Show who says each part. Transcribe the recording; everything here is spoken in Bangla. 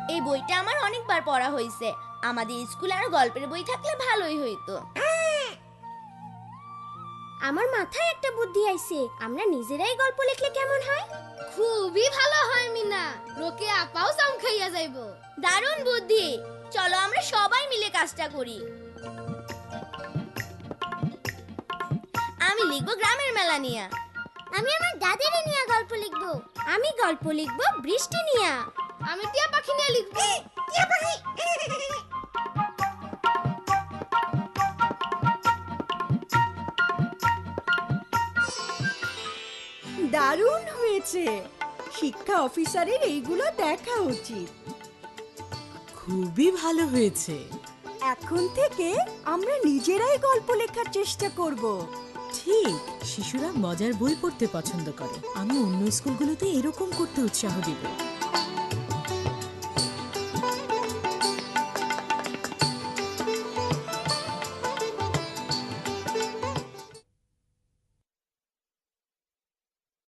Speaker 1: এই বইটা আমার অনেকবার পড়া হয়েছে। আমাদের স্কুলে আরো গল্পের বই থাকলে ভালোই হইতো।
Speaker 2: আমার মাথায় একটা বুদ্ধি আইছে, আমরা নিজেরাই গল্প লিখলে কেমন হয়?
Speaker 3: খুবই ভালো হয় মিনা, রোকে আপাও জাম খাইয়া যাইবো।
Speaker 1: দারুণ বুদ্ধি, চলো আমরা সবাই মিলে কাজটা করি। আমি লিখবো গ্রামের মেলা নিয়ে।
Speaker 2: আমি আমার দাদের নিয়ে গল্প লিখবো। আমি গল্প লিখবো বৃষ্টি নিয়ে।
Speaker 3: আমি টিয়া পাখি নিয়ে লিখবো।
Speaker 4: দারুণ হয়েছে। শিক্ষা অফিসারের এইগুলো দেখা উচিত।
Speaker 5: খুবই ভালো হয়েছে।
Speaker 4: এখন থেকে আমরা নিজেরাই গল্প লেখার চেষ্টা করব।
Speaker 5: ঠিক, শিশুরা মজার বই পড়তে পছন্দ করে। আমি অন্য স্কুলগুলোতে এরকম করতে উৎসাহ দিব।